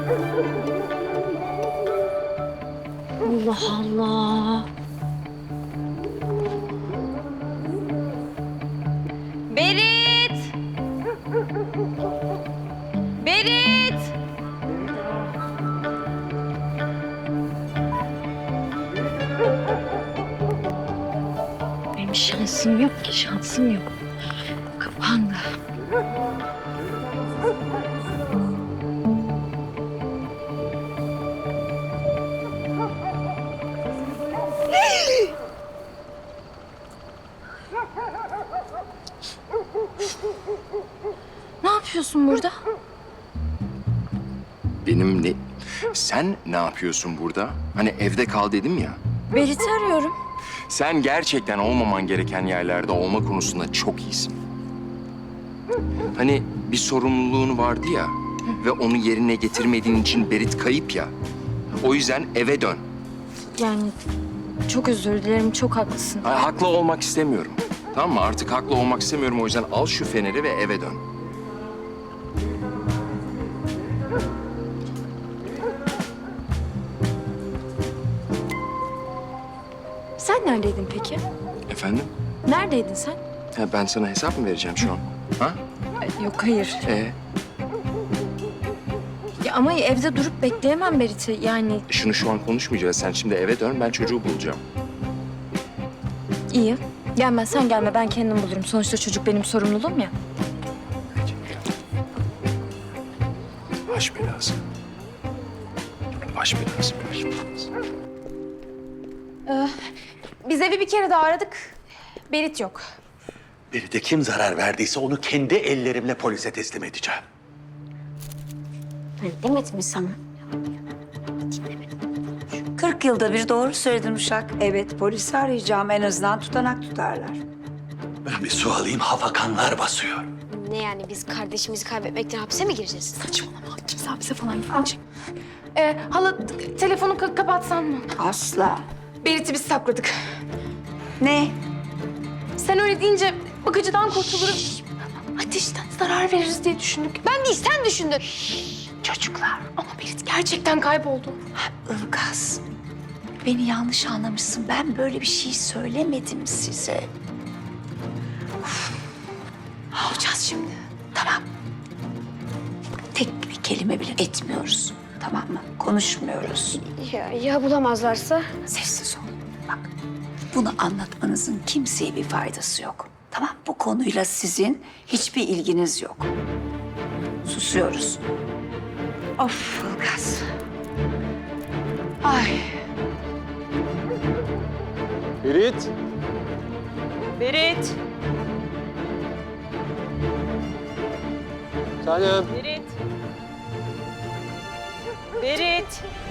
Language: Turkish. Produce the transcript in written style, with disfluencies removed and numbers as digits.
Allah Allah. Berit! Berit! Benim şansım yok ki, şansım yok. Kapandı. Ne yapıyorsun burada? Benim ne... Sen ne yapıyorsun burada? Hani evde kal dedim ya. Berit'i arıyorum. Sen gerçekten olmaman gereken yerlerde olma konusunda çok iyisin. Hani bir sorumluluğun vardı ya ve onu yerine getirmediğin için Berit kayıp ya. O yüzden eve dön. Yani çok özür dilerim, çok haklısın. Ha, haklı olmak istemiyorum. Tamam mı? Artık haklı olmak istemiyorum. O yüzden al şu feneri ve eve dön. Sen neredeydin peki? Efendim? Neredeydin sen? Ha, ben sana hesap mı vereceğim şu an? Ha? Yok, hayır. Ya ama evde durup bekleyemem Berit'i. Yani Şunu şu an konuşmayacağız. Sen şimdi eve dön. Ben çocuğu bulacağım. iyi. Gelme, sen gelme. Ben kendim bulurum. Sonuçta çocuk benim sorumluluğum ya. Baş belası. Baş belası, baş belası. Biz evi bir kere daha aradık. Berit yok. Bir de kim zarar verdiyse onu kendi ellerimle polise teslim edeceğim. Demedim mi sana? 40 yılda bir doğru söyledin Uşak. Evet, polisi arayacağım. En azından tutanak tutarlar. Ben bir su alayım, hafakanlar basıyor. Ne yani biz kardeşimizi kaybetmekten hapse mi gireceğiz? Saçmalama. Kimse hapse falan gitmeyecek. Hala telefonu kapatsan mı? Asla. Berit'i biz sakladık. Ne? Sen öyle deyince bakıcıdan kurtuluruz. Ateşten zarar veririz diye düşündük. Ben değil sen düşündün. Çocuklar. Ama Berit gerçekten kayboldu. Ilgaz. Beni yanlış anlamışsın. Ben böyle bir şey söylemedim size. Ne yapacağız şimdi? Tamam. Tek bir kelime bile etmiyoruz. Tamam mı? Konuşmuyoruz. Ya bulamazlarsa? Sessiz ol. Bak, bunu anlatmanızın kimseye bir faydası yok. Tamam, bu konuyla sizin hiçbir ilginiz yok. Susuyoruz. Of Ilgaz. Ay. Berit. Berit, Tanem. Berit. Berit.